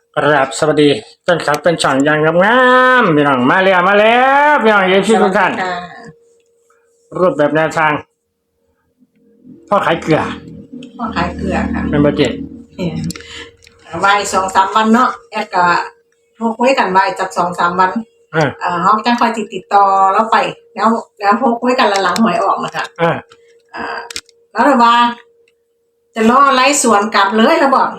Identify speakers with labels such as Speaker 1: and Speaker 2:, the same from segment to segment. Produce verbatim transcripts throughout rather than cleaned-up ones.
Speaker 1: กราบสวัสดีต้นสักเป็นช่องอยังงามๆพี่น้องมาแล้วมาแล้วพี่น้องเอฟซีทุกท่านรูปแบบแนวทางพ่อขายเกลือ
Speaker 2: พ่อขายเกลือค่ะ
Speaker 1: เป็นบัจเจต
Speaker 2: ใบสองสามวันเนาะแอดก็โทรคุยกันใบจากสองสามวันเออเขาจังคอยติดติดต่อแล้วไปแล้วแล้วโทรคุยกันหลังหวยออกนะคะอ่าแล้วเลยว่าจะล่อไล่สวนกลับเลยแล้วบอก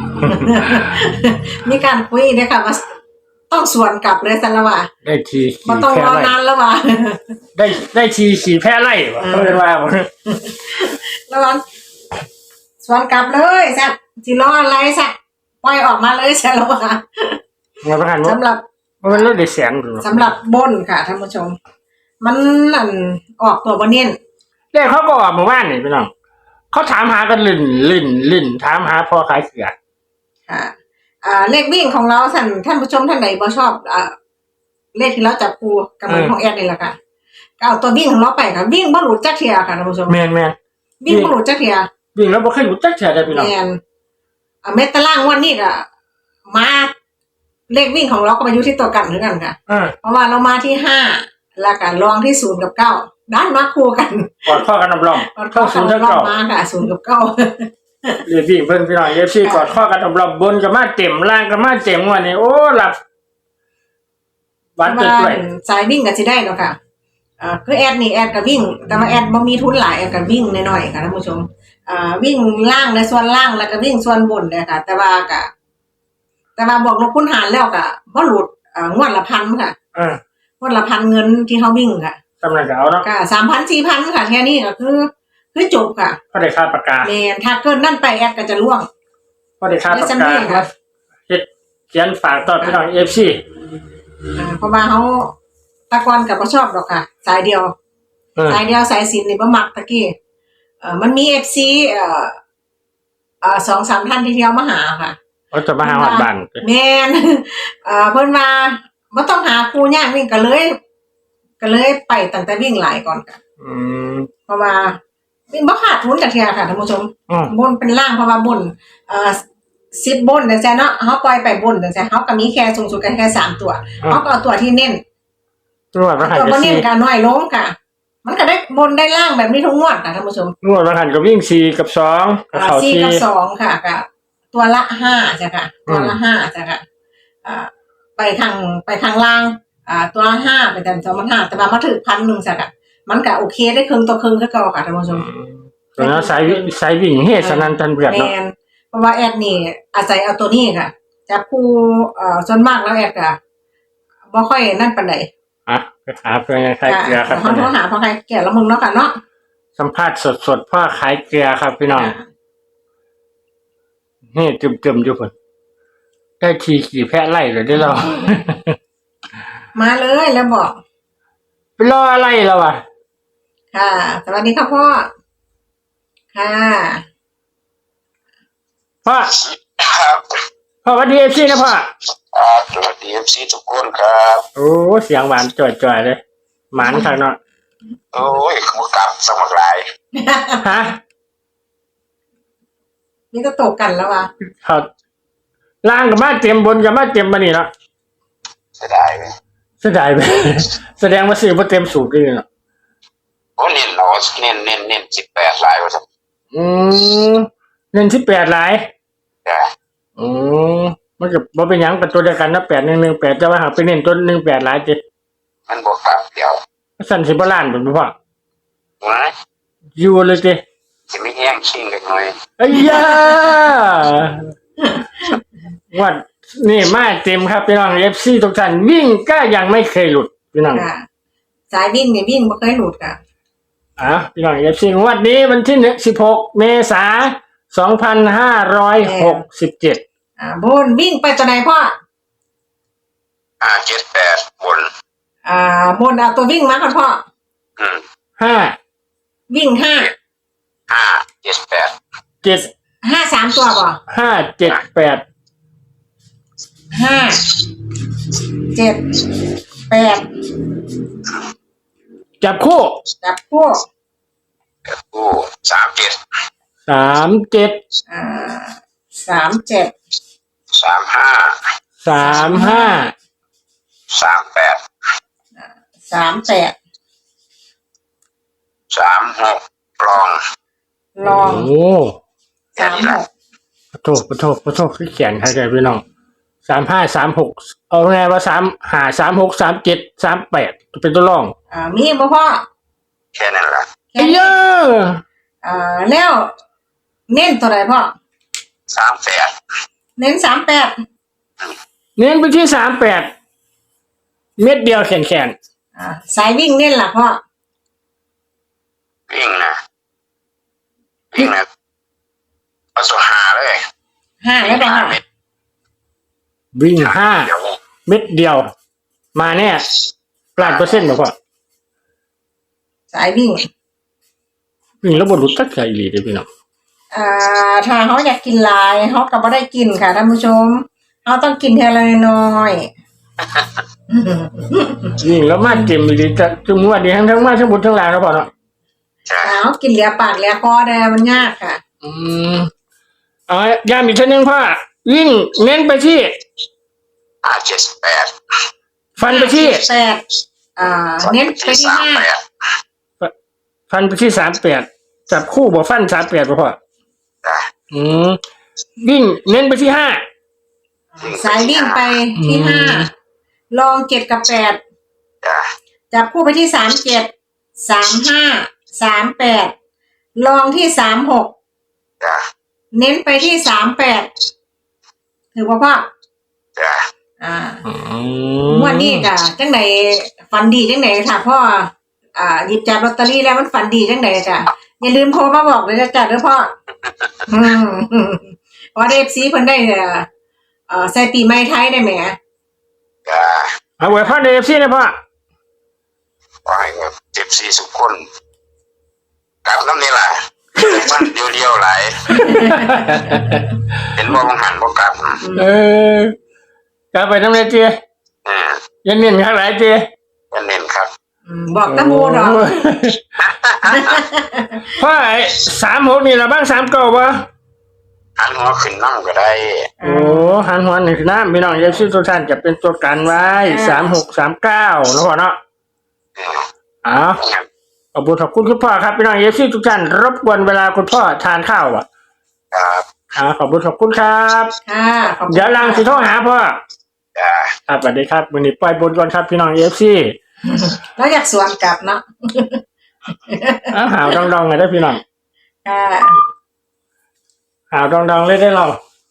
Speaker 2: มีการคุยเนี่ยค่ะว่าต้องสวนกลับเลยสันละว่า
Speaker 1: ได้ที
Speaker 2: มันต้องรอนานแล้วว่า
Speaker 1: ได้ได้ทีขี่แพ้ไล่เขาเรียกว่า
Speaker 2: แล้ววันสวนกลับเลยสักจีล่อไล่สักปล่อยออกมาเลยใช่แล้วว่าสำหรับ
Speaker 1: มันเลือดเสียง
Speaker 2: สำหรับบนค่ะท่านผู้ชมมันนั่นออกตัวบนเน้น
Speaker 1: เรียกเขาก็ออกมาบ้านนี่พี่น้องเขาถามหากันลิ่นลิ่นลิ่นถามหาพ่อขายเกลือ
Speaker 2: ค่ะอ่าเลขวิ่งของเราท่านท่านผู้ชมท่านไหนบ่ชอบอ่าเลขที่เราจับปูกับเหมือนของแอดนี่แหละค่ะก็เอาตัววิ่งของเราไปค่ะวิ่งบ่หลุดจักเทียค่ะท่านผู้ชม
Speaker 1: แม่นแม่น
Speaker 2: วิ่งบ่หลุดจักเทีย
Speaker 1: วิ่งแล้วบ่เคยหลุดจักเทียได้พี่น้อง
Speaker 2: แม่นอ่าเม็ดตารางวันนี้ก็มาเลขวิ่งของเราก็ไปอยู่ที่ตัวกันเหมือนกันค่ะเพราะว่าเรามาที่ห้าแล้วก็รองที่ศูนย์กับเก้าด้านมาคู่กัน
Speaker 1: กอดข้อกันอบรม
Speaker 2: เข้าศูนย์กับเก้ามาค่ะศูนย์กับเก้า
Speaker 1: เรียกวิ่งเพิ่นพี่น้องเอฟซีกอดข้อกันอบรมบนกับมาเต็มล่างกับมาเต็มวันนี้โอ้หลับ
Speaker 2: วัดด้วยสายวิ่งก็สิได้เนาะค่ะอ่าคือแอดนี่แอดก็วิ่งแต่ว่าแอดบ่มีทุนหลายแอดก็วิ่งน้อยๆค่ะท่านผู้ชมอ่าวิ่งล่างในส่วนล่างแล้วก็วิ่งส่วนบนเลยค่ะแต่ว่าก็แต่ว่าบอกลบคูณหารแล้วก็บ่หลุดอ่างวดละพันค่ะ
Speaker 1: อ่าง
Speaker 2: วดละพันเงินที่เฮาวิ่งค่ะ
Speaker 1: สำหรับเอาเนาะ
Speaker 2: ค่ะ สามพัน สี่พัน ค่ะแค่นี้ก็คือคือจบค่ะ
Speaker 1: พอได้ค่าประกาศ
Speaker 2: แม่นถ้าเกินนั่นไปแอดก็จะล่วง
Speaker 1: พอได้ค่าประกาศครับเฮ็ดเขียนฝากต่อพี่น้อง เอฟ ซี
Speaker 2: อ่าเพราะว่าเฮาตะกอนก็บ่ชอบดอกค่ะสายเดียวสายเดียวสายสินนี่บ่มักตะกี้เอ่อมันมี เอฟ ซี เอ่ออ่า สองสาม ท่านที่เที่ยวมาหาค่ะ
Speaker 1: เขาจะมาหาฮอดบ้าน
Speaker 2: แม่นเอ่อเพิ่นว่าบ่ต้องหาครูยากวิ่งก็เลยก็เลยไปตั้งแต่วิ่งหลายก่อนค่ะ
Speaker 1: อืม
Speaker 2: เพราะว่าวิ่งบ่ขาดทุนจักเที่ยค่ะท่านผู้ชมบนเป็นล่างเพราะว่าบนเอ่อสิบบนจังซี่เนาะเฮาปล่อยไปบนจังซี่เฮาก็มีแค่สูงสุดกันแค่สามตัวเฮาก็เอาตัวที่เน้น
Speaker 1: ตัวบ่ให้
Speaker 2: ตัวบ่เน้นก็น้อยลงค่ะมันก็ได้บนได้ล่างแบบนี้ทุกงวดค่ะท่านผู้ชม
Speaker 1: งวดละหันก็วิ่งสี่กับสอง
Speaker 2: ก็เข้าสี่กับสองค่ะก็ตัวละห้าจ้ะค่ะตัวละห้าจ้ะค่ะอ่าไปทางไปทางล่างอ่าตัวละห้าไปแต่สองพันห้าแต่ว่ามาถึงพันหนึ่งจ้ะค่ะมันก็โอเคได้ครึ่งต่อครึ่งคือเก่าค่ะท่านผู้ชม
Speaker 1: ตัวนั้นสายสายวิ่งเฮ็ดสนั่นทันเบือดเนาะ
Speaker 2: เพราะว่าแอดนี่อาศัยเอาตัวนี้ค่ะจับคู่เอ่อส่วนมากแล้วแอดก็บ่ค่อยนั่นปานใด
Speaker 1: อ่ะไปหาเพื่อนขายเกลือครับ
Speaker 2: เฮาโทรหาพ่อขายเกลือแล้วมึงเนาะค่ะเนาะ
Speaker 1: สัมภาษณ์สดๆพ่อขายเกลือครับพี่น้องนี่จึมๆอยู่พุ่นได้ทีขี่แพะไล่เลยได้เรา
Speaker 2: มาเลยแล้วบอก
Speaker 1: ไปรออะไรเราอ่ะ
Speaker 2: ค่ะสวัสดีค่ะพ่อค่ะ
Speaker 1: พ่อพ่อสวัสดีเอฟซีนะพ่อ
Speaker 3: สวัสดีเอฟซีทุกคนครับ
Speaker 1: โอ้เสียงหวานจ่อยๆเลยหมานทางเนาะ
Speaker 3: โอ้ยขบกลับสมัครหลาย
Speaker 1: ฮะ
Speaker 2: นี่ก็ตกกันแล้ววะ
Speaker 1: ครับล่างกับมาเต็มบนกับมาเต็มมานี่เนาะ
Speaker 3: เสียดายไหม
Speaker 1: เสียดายไหมแสดงว่าซื้อมาเต็มสูตรเลยเนาะ
Speaker 3: โอ้เน้นเราเน้นเน้นเน้นสิบแปดลายวะสัก
Speaker 1: อืมเน้นสิบแปดลาย
Speaker 3: ใช่
Speaker 1: อืมมันกับมันเป็นยังกับตัวเดียวกันนะแปดหนึ่งหนึ่งแปดจะว่าหาไปเน้นตัวหนึ่งแปดลายจิ
Speaker 3: มันบวกกลับเดียว
Speaker 1: สั่นสิบล้านเป็นพ่ออยู่เลยจิ
Speaker 3: จะไม่แห้งชิงเล็กน้อย
Speaker 1: ไอ้ยาวัดนี่มาเต็มครับพี่น้องเอฟซีทุกท่านวิ่งก็ยังไม่เคยหลุดพี่น้อง
Speaker 2: สายวิ่งเนี่ยวิ่งไม่เคยหลุดค่ะ
Speaker 1: อ่ะพี่น้องเอฟซีวันนี้วันที่หนึ่งสิบหกเมษาสองพันห้าร้อยหกสิบเจ็ด
Speaker 2: อ่าบนวิ่งไปตัวไหนพ่อ
Speaker 3: อ่าเจ็ดแปดบน
Speaker 2: อ่าบนเอาตัววิ่งมาค่ะพ่อ
Speaker 3: อืม
Speaker 1: ห้า
Speaker 2: วิ่งห้า
Speaker 3: ห้าเจ็ดแปด
Speaker 1: เจ็ด
Speaker 2: ห้าสามตัวป่ะ
Speaker 1: ห้าเจ็ดแปด
Speaker 2: ห้าเจ็ดแปด
Speaker 1: จับคู่
Speaker 2: จับคู่
Speaker 3: จับคู่สามเจ็ด
Speaker 1: สามเจ็ด
Speaker 2: อ่าสามเจ็ด
Speaker 3: สามห้า
Speaker 1: สามห้า
Speaker 3: สามแปด
Speaker 2: สามแปด
Speaker 3: สามหกรอง
Speaker 2: ลอง
Speaker 1: โอ้
Speaker 2: สามหก
Speaker 1: ปะโทปะโทปะโทคือเขียนให้ใจพี่น้องสามห้าสามหกเอาไงว่าสามหาสามหกสามเจ็ดสามแปดเป็นตัวรอง
Speaker 2: อ่ามีบ่พ่อ
Speaker 3: แค่นั้นแหละ
Speaker 2: แค่
Speaker 1: เย
Speaker 2: นี้
Speaker 1: อะ
Speaker 2: อ่าแล้วเน้นตัวไหนพ่อ
Speaker 3: สามแปด
Speaker 2: เน้นสามแปด
Speaker 1: เน้นไปที่สามแปดเม็ดเดียวแขนแขน
Speaker 2: อ่าสายวิ่งเน้นล่ะพ่อ
Speaker 3: วิ่งนะวิ่งนะเอาสุหาเลย
Speaker 2: ห้าแล้วป่ะ
Speaker 3: ห้า
Speaker 2: ค่ะ
Speaker 3: เม็ด
Speaker 1: วิ่งห้า
Speaker 3: เดี๋ยว
Speaker 1: เม็ดเดียว มาแน่ล้านเปอร์เซ็นต์บอกว่า
Speaker 2: สายวิ่ง
Speaker 1: วิ่งแล้วบนรุดตักใจอีหลีเลยพี่น้อง
Speaker 2: อ่าถ้าเขาอยากกินหลายเขาก็บ่ได้กินค่ะท่านผู้ชมเขาต้องกินทีละน้อยๆ
Speaker 1: วิ่งแล้วมาเต็มอีหลีจะจุ่มว่าดีทั้งทั้งมาทั้งบนทั้งล่างแล้วพอเนาะ
Speaker 3: ใช่
Speaker 2: เอากินเหลียปากเหลียคอได้มันยากค่ะ
Speaker 1: อืมเอาย้ำอีกทีนึงพ่อวิ่งเน้นไปที่
Speaker 3: ห้าเจ็ดแปด
Speaker 1: ฟันไปที่
Speaker 2: แปดอ่าเน้นไปที่
Speaker 3: สาม
Speaker 2: ห้า
Speaker 3: แปด
Speaker 1: ฟันไปที่สามแปดจับคู่บ่ฟันสามแปดบ่พ่อ
Speaker 3: จ้ะ
Speaker 1: อืมวิ่งเน้นไปที่ห้า
Speaker 2: สายวิ่งไปที่
Speaker 1: อืม
Speaker 2: ห้าลองเจ็ดกับแปด
Speaker 3: จ้ะ
Speaker 2: จับคู่ไปที่สามเจ็ดสามห้าสามแปดลองที่สามหก
Speaker 3: จ้ะ
Speaker 2: เน้นไปที่สามแปดถือว่าพ่อ
Speaker 3: จ้ะ
Speaker 2: อ่า
Speaker 1: อืม
Speaker 2: งวันนี้กะจังไหนฝันดีจังไหนค่ะพ่ออ่าหยิบจับลอตเตอรี่แล้วมันฝันดีจังไหนจ้ะอย่าลืมโทรมาบอกเลยนะจ้ะเด้อพ่ออืมเพราะเอฟซีเพิ่นได้เอ่อเอ่อใส่ปีใหม่ไทยได้ไหม
Speaker 3: จ้ะ
Speaker 1: เอาไว้พ่อเดฟซี่นะพ่อ
Speaker 3: ขอให้เจ็บสี่สุขคนกลับน้ำนี่แหละมันเดียวๆหลายเห็นว่าบังหันบ่กลับ
Speaker 1: เออกลับไปทำไรเจีย
Speaker 3: อืม
Speaker 1: ยันเน้นข้างไหนเจีย
Speaker 3: เป็นเน้นครับ
Speaker 2: อืมบอกตะมูดอก
Speaker 1: โยพ่อไอ้สามหกนี่ละบ้างสามเก้าปะ
Speaker 3: หันหัวขึ้นน้ำก็ได้
Speaker 1: โอ้หันหัวหนึ่งคือน้ำพี่น้องเอฟซีทุกท่านจะเป็นตัวกันไว้สามหกสามเก้าแล้วพ่อเนาะ
Speaker 3: อืม
Speaker 1: อ้าวขอบคุณขอบคุณคุณพ่อครับพี่น้องเอฟซีทุกท่านรบกวนเวลาคุณพ่อทานข้าวอ่ะ
Speaker 3: ครับ
Speaker 1: อ่าขอบคุณขอบคุณครับ
Speaker 2: ค่ะขอบคุณ
Speaker 1: เดี๋ยวลังสิโทรหาพ่อ
Speaker 3: จ้ะ
Speaker 1: ครับสวัสดีครับวันนี้ปล่อยบนก่อนครับพี่น้องเอฟซี
Speaker 2: แล้วอยากสวนกลับเนาะ
Speaker 1: อ้าวหาวดองๆเลยได้อพี่น้อง
Speaker 2: ค่ะ
Speaker 1: หาวดองๆเลยได้เรา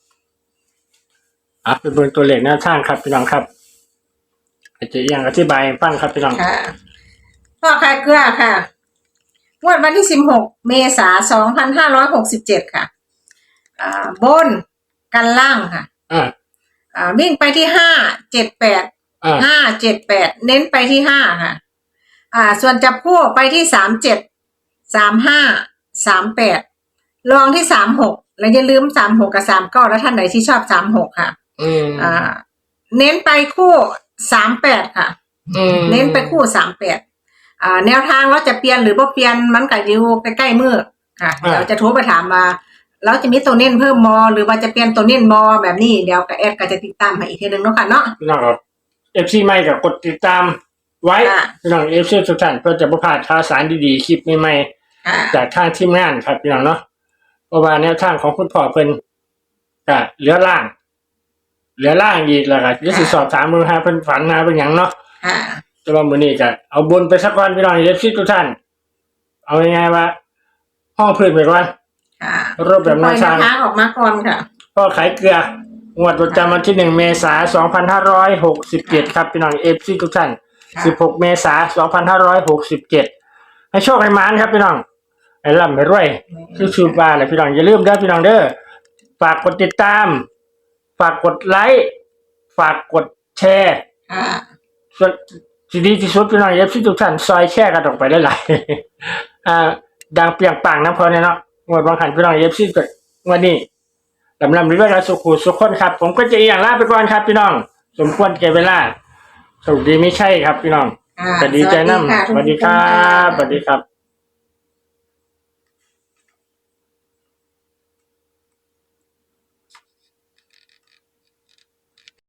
Speaker 1: อ่ะเป็นบนตัวเลขหน้าช่างครับพี่น้องครับอาจจะยังอธิบายให้ฟังครับพี่น้อง
Speaker 2: ค่ะพ่อขายเกลือค่ะงวดวันที่สิบหกเมษายนสองพันห้าร้อยหกสิบเจ็ดค่ะ อ่าบนกันล่างค่ะ
Speaker 1: อ่า
Speaker 2: อ่าวิ่งไปที่ห้าเจ็ดแปด
Speaker 1: อ่า
Speaker 2: ห้าเจ็ดแปดเน้นไปที่ห้าค่ะ อ่า ส่วนจับคู่ไปที่สามเจ็ดสามห้าสามแปดลองที่สามหกแล้วอย่าลืมสามหกกับสามเก้าแล้วท่านไหนที่ชอบสามหกค่ะ
Speaker 1: อืม
Speaker 2: อ่า เน้นไปคู่สามแปดค่ะ
Speaker 1: อืม
Speaker 2: เน้นไปคู่สามแปดอ่า แนวทางเราจะเปลี่ยนหรือบ่เปลี่ยนมันก็อยู่ใกล้ๆมือค่ะเดี๋ยวจะโทรไปถามมาเราจะมีตัวเน้นเพิ่มมอหรือว่าจะเปลี่ยนตัวเน้นมอแบบนี้เดี๋ยวก็แอดก็จะติดตามให้อีกทีหนึงเนาะค่ะเนาะ
Speaker 1: พี่น้องครับเอฟซีใหม่กับกดติดตามไว้
Speaker 2: ค่ะ
Speaker 1: พี่น้องเอฟซีทุกท่านเพื่อจะประพลาดข่าวสารดีๆคลิปใหม่
Speaker 2: อ่า
Speaker 1: ๆจากทางทีมงานครับพี่น้องเนาะเพราะว่าแนวทางของคุณพ่อเพิ่นก็เหลือล่าง เหลือล่างอีกแล้วก็จะสิสอบถามมือหาเพิ่นฝันหาเป็นหยังเนาะ
Speaker 2: ค่ะ
Speaker 1: แต่ว่ามื้อนี้ก็เอาบนไปสักวันพี่น้องเอฟซีทุกท่าน เอาง่ายๆว่า ห้องพื้นไปก่อน
Speaker 2: ค่ะ
Speaker 1: รูปแบบแนวทาง
Speaker 2: ปล่อยแนวทางออกมาก่อนค่ะ
Speaker 1: พ่อขายเกลืองวดประจำวันที่หนึ่งเมษายนสองพันห้าร้อยหกสิบเจ็ดครับพี่น้องเอฟซีทุกท่าน
Speaker 2: ค่ะ
Speaker 1: สิบหกเมษายนสองพันห้าร้อยหกสิบเจ็ดให้โชคให้หมานครับพี่น้องให้ร่ำให้รวยคือชูบาเลยพี่น้องอย่าลืมเด้อพี่น้องเด้อฝากกดติดตาม ฝากกดไลค์ฝากกดแชร์
Speaker 2: ค่ะ
Speaker 1: ส่วนที่ดีที่สุดพี่น้องเอฟซีทุกท่านซอยแชร์กันออกไปได้หลายๆ อ่าดังเปรียงปังน้ำพอเนี่ยเนาะงวดบางขันพี่น้องเอฟซีตัววันนี้ลำลำเรื่อยๆสุขุสุขคนครับ ผมก็จะอย่างลาไปก่อนครับพี่น้อง สมควรแก่เวลาสวัสดีไม่ใช่ครับพี่น้อง
Speaker 2: ค่ะ
Speaker 1: สวัสดีใจน้ำส
Speaker 2: ทุก
Speaker 1: วัสดีค
Speaker 2: ท่า
Speaker 1: รั
Speaker 2: น
Speaker 1: บสวัสดีครับ